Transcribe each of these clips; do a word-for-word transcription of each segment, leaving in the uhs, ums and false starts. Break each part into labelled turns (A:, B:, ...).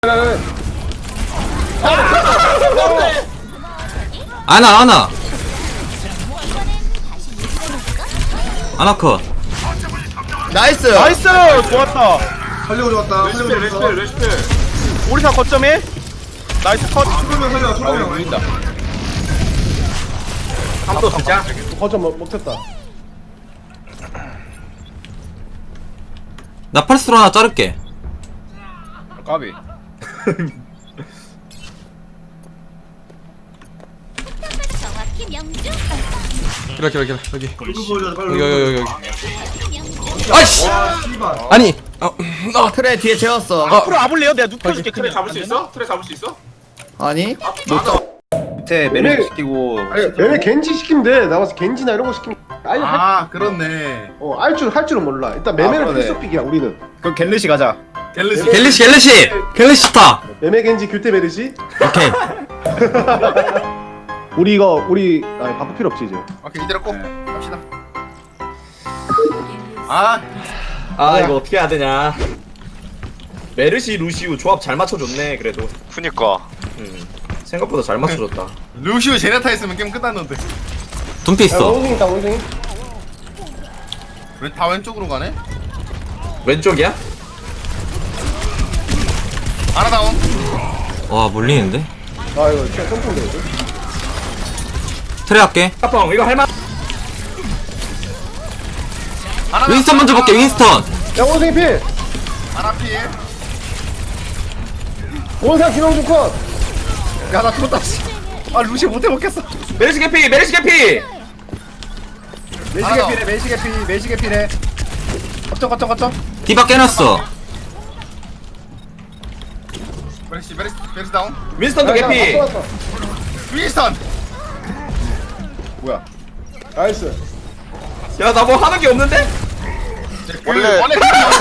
A: 아나 아나 아나 컷.
B: 나이스.
C: 나이스! 좋았다.
D: 살려고 좋았다.
E: 레시피 레시피 레시피
C: 오리사 거점 일. 나이스 컷.
D: 초보면 살려. 초보면
E: 보인다 한도 진짜
C: 거점 먹, 먹혔다.
A: 나 펄스로 하나 자를게.
E: 까비
F: 정확히 명중.
A: 기라 기라 기라 여기
D: 빨리 보여줘. 빨리.
A: 여기 여기 여기 여기.
F: 명중.
A: 아이씨.
D: 와 씨발.
A: 아니 어, 어.
B: 트레 뒤에 재웠어.
C: 앞으로 와볼래요? 내가 눕혀줄게.
E: 트레
C: 그냥.
E: 잡을 수 있어? 트레 잡을 수 있어?
B: 아니?
E: 밑에
G: 메르시
E: 시키고
G: 아니 얘네 겐지 시키면 돼. 나와서 겐지나 이런 거 시키면 아예 할,
E: 아 그렇네
G: 어, 할 줄, 할 줄은 몰라. 일단 매매는
E: 그러네.
G: 필수픽이야 우리는.
E: 그럼 갤르시 가자 갤르시
A: 갤리시 갤리시 갤리시 타.
G: 매매 겐지 규태 메르시.
A: 오케이.
G: 우리 이거 우리 아, 바꿀 필요 없지 이제.
E: 오케이 이대로 꼭 갑시다 아
H: 아 이거 어떻게 해야 되냐. 메르시 루시우 조합 잘 맞춰줬네. 그래도
I: 그니까
H: 음, 생각보다 잘 맞춰줬다.
E: 루시오 제네타 했으면 게임 끝났는데
A: 둠피
G: 야,
A: 있어.
G: 원숭이 있다 원숭이.
E: 왜 다 왼쪽으로 가네?
H: 왼쪽이야?
E: 하나 다운
A: 와 몰리는데.
G: 아 이거 진짜 점프인데 이거.
A: 트레 할게.
H: 까펑 이거 할만.
E: 하나
A: 윈스턴 먼저 볼게. 윈스턴.
G: 야 원숭이 필.
E: 하나 필
G: 원상 김영준 컷.
E: 야나 죽었다 아 루시오 못해 먹겠어
H: 메르시 개피 메르시 개피.
E: 메시게 필해 메시게 필 메시게 필해 거점 거점 거점
A: 디바 깨놨어.
E: 메르시 메르시 메르시 다운
H: 윈스턴도 개피.
G: 왔어 왔어.
E: 윈스턴
G: 나이스.
H: 야 나 뭐 하는 게 없는데?
I: 원래
E: 원래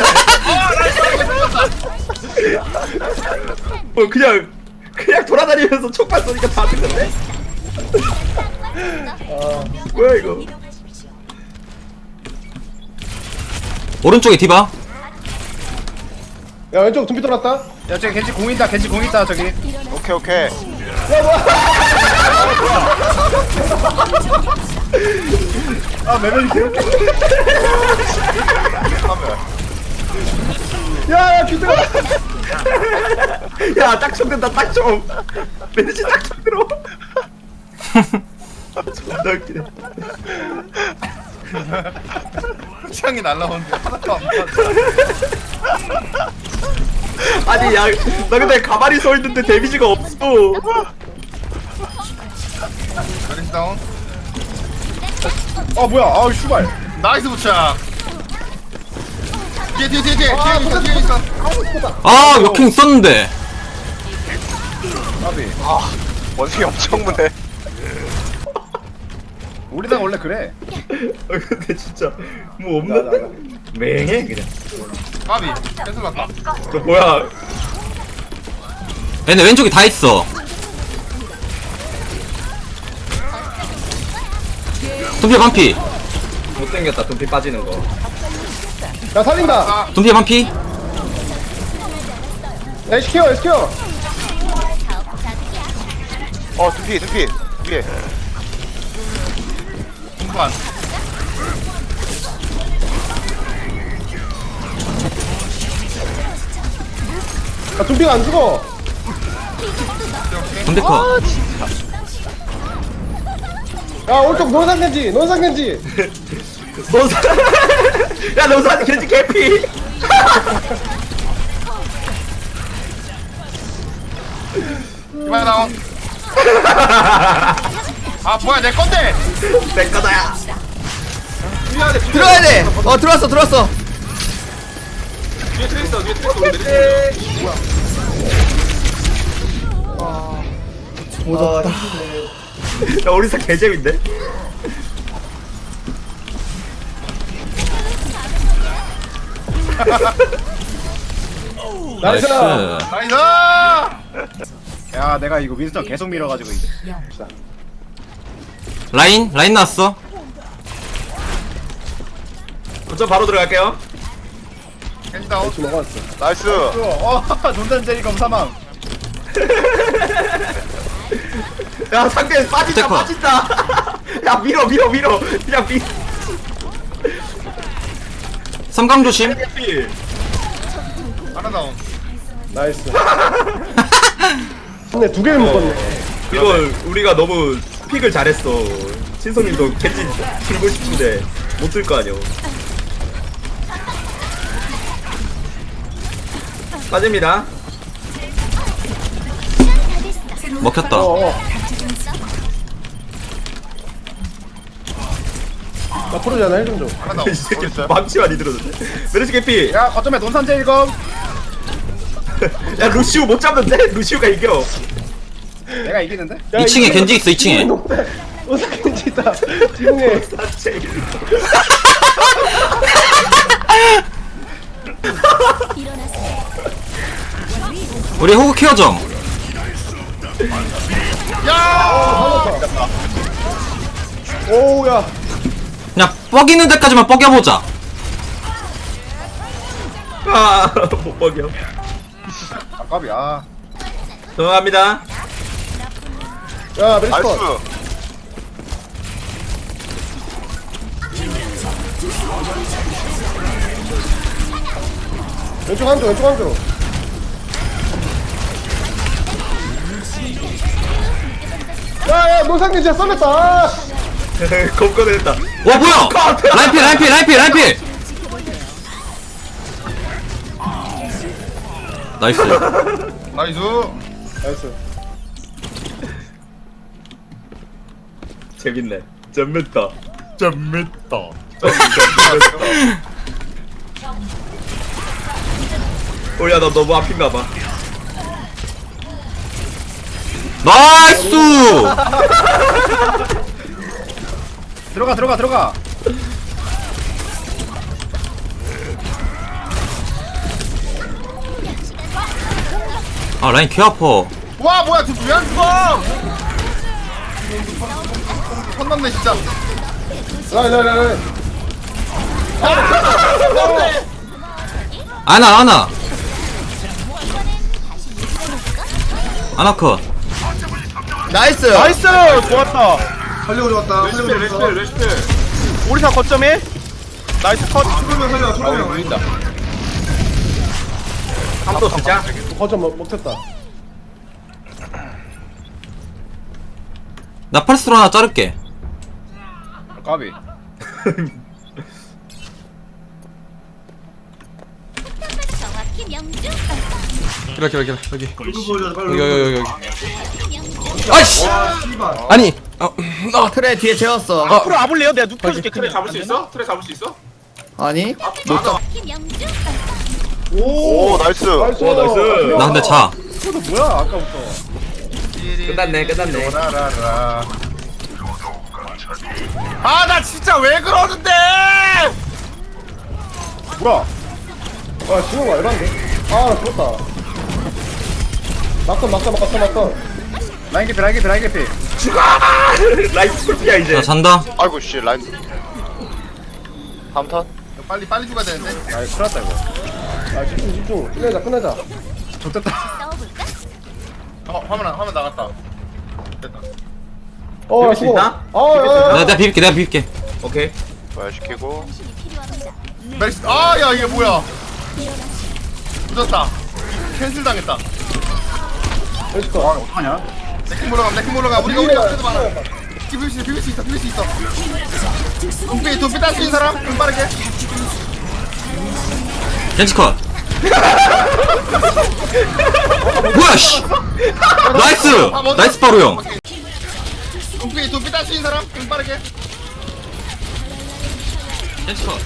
H: 뭐 그냥 그냥 돌아다니면서 촉발 쏘니까 다 죽는데? 뭐야 이거?
A: 오른쪽에 디바.
G: 야 왼쪽 둠피 돌았다.
E: 야 저기 겐지 공 있다 겐지 공 있다 저기
I: 오케이 오케이
E: 아 메르시 개웃겨
G: 야야 규태가.
H: 야 딱총 된다 딱총. 메르시 딱총 들어. 존나 웃기네.
E: 창이 날라오는데 하나도 안 맞아
H: 아니 야 나 근데 가만히 서 있는데 데미지가 없어.
E: 메르시 다운
G: 아 뭐야? 아 슈발.
E: 나이스 부착 뒤에 뒤에 뒤에 뒤에 뒤에 있어 뒤에 있어
A: 아 역행 있었는데.
I: 원숭이 엄청 무네
E: 우리나라 원래 그래
H: 아 근데 진짜 뭐 없는데? 맹해 그냥.
E: 까비 캔슬 났다
H: 너 뭐야?
A: 얘네 왼쪽에 다 있어. 둠피 반피.
H: 못생겼다 돈피 빠지는 거.
G: 야 살린다.
A: 둠피 반피.
G: 야 에스케어 에스케어.
I: 어 두피 두피 위에
E: 중반
G: 야 둠피가 안 죽어.
A: 둠피 컷.
G: 야 오른쪽 논산 겐지 논산 겐지.
H: 노사. 야 노사 겐지 개피.
E: 이만 다운 아 뭐야 내 건데
H: 내 거다야.
B: 들어야 돼. 어 들어왔어 들어왔어.
E: 뒤에 트레 있어 뒤에 트레 있어 메르시
H: 야 우리사 개재밌네.
A: 나이스.
E: 나이스 야 내가 이거 윈스턴 계속 밀어가지고 이제
A: 라인 라인 나왔어.
H: 저 바로 들어갈게요.
E: 겐지 다운.
G: 대충 먹었어.
I: 나이스.
E: 어, 논단 제리검 사망.
H: 야 상대 빠진다
A: 어떡하?
H: 빠진다. 야 밀어 밀어 밀어. 그냥 밀.
A: 삼강 조심.
H: 피.
E: 하나 다운.
G: 나이스. 근데 두 개를 묶었네.
H: 이걸 우리가 너무 픽을 잘했어. 신성님도 겐지 들고 싶은데 못 들 거 아니야. 빠집니다.
A: 먹혔다.
G: 어어. 나 프로잖아, 헬 좀 줘.
E: 하나 다운.
H: 이 새끼 망치 많이 들었는데. 메르시 개피.
E: 야, 거점에 논산 제리검.
H: 야 루시우 못 잡는데? 루시우가 이겨.
E: 내가 이기는데?
G: 야,
A: 이 층에
G: 이거-
A: 겐지 있어, 이 층에.
G: 오사켄지 있다. 지붕에.
A: 우리 호구 케어 좀.
G: 오우, 야.
A: 그냥 뻐기는 데까지만 뻐겨보자.
H: 아못 먹여.
E: 아깝이야.
H: 넘어갑니다.
G: 야, 메리스
I: 나이스.
G: 컷. 왼쪽 한쪽, 왼쪽 한쪽. 야, 야, 노상균 진짜 썰렸다. 아.
H: 겁거냈다.
A: 와, 뭐야! 라인필, 라인필, 라인필, 라인필! 나이스.
E: 나이스.
G: 나이스.
H: 재밌네. 잼밌다. 잼밌다. 오야 너 너무 아픈가봐.
A: 나이스!
E: 들어가, 들어가, 들어가.
A: 아, 라인 개 아파.
E: 와, 뭐야, 저 왜안 죽어? 손 넘네, 진짜.
G: 라인, 라인, 라인.
A: 아나, 아나. 아나 컷.
B: 나이스.
C: 나이스. 좋았다.
D: 살리고 좋았다. 살리고 좋았다.
C: 오리사 거점에 나이스 컷.
D: 초보명 살려. 초보명.
H: 한도 쓰자.
G: 거점 먹, 먹혔다.
A: 나 펄스로 하나 자를게.
E: 아깝이.
F: 정확히 명중.
A: 기라, 기라, 기라. 여기.
D: 이거 보여줘. 빨리.
A: 여기, 여기, 여기.
F: 명중.
A: 아이씨!
D: 와, 씨발.
A: 아니! 어, 어.
B: 트레 뒤에 재웠어.
C: 앞으로 와볼래요? 내가 눕혀줄게. 그래
J: 잡을 수 있어? 트레 잡을 수 있어?
B: 아니?
F: 정확히 명중.
I: 오, 나이스.
G: 나이스.
H: 와, 나이스.
A: 나 근데 자.
E: 이거 뭐야, 아까부터.
H: 끝났네 끝났네.
E: 라라라. 아, 나 진짜 왜 그러는데! 뭐야?
G: 아, 지금 와, 이런데? 아, 나 죽었다. 막던, 막던, 막던, 막던.
E: 라인 개피, 라인 개피, 라인 개피.
H: 라이트 풀피야 이제.
A: 나 잔다.
I: 아이고 씨 라인. 다음 턴.
E: 빨리, 빨리 죽어야 되는데? 아, 큰일 났다, 이거.
G: 아, 집중, 집중. 끝내자, 끝내자.
E: 좋됐다.
F: 싸워볼까?
E: 어, 화면, 안- 화면 나갔다. 됐다.
G: 어,
H: 비빌 수
G: 수고.
H: 있나?
G: 아, 야, 야,
A: 내가,
G: 야.
A: 내가 비빌게, 내가 비빌게.
H: 오케이.
I: 부활시키고.
F: 당신이 필요합니다.
E: 메리스, 아, 야, 이게 뭐야? 늦었다. 캔슬 당했다.
G: 메리스 컷.
E: 어떡하냐? 내킹 몰러가, 내킹 몰러가. 우리가, 우리가 그래도 많아. 비빌 수 있어, 비빌 수 있어, 비빌 수 있어. 돈피, 돈피 딸 수 있는 사람? 좀 빠르게.
A: 겐지 컷. 뭐야, 씨! 나이스! 나이스 바로 형.
E: 돈피, 돈피 딸 수 있는 사람? 좀 빠르게.
A: 겐지 컷.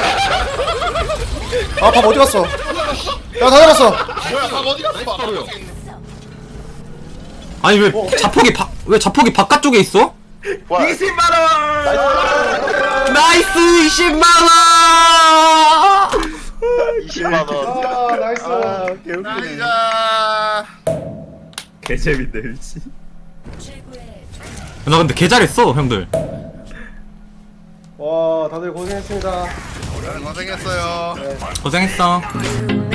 G: 아, 밥 어디 갔어? 야, 다 잡았어.
E: 뭐야, 밥 어디 갔어? 바로요.
A: 아니, 왜 자폭이 바, 왜 자폭이 바깥쪽에 있어?
I: 부활.
H: 이십만 원.
A: 나이스 이십만 원!
I: 이십만 원.
G: 아, 나이스.
E: 나이자.
H: 개재밌네 미치.
A: 나 근데 개 잘했어, 형들.
G: 와, 다들 고생했습니다.
E: 고생했어요.
A: 고생했어.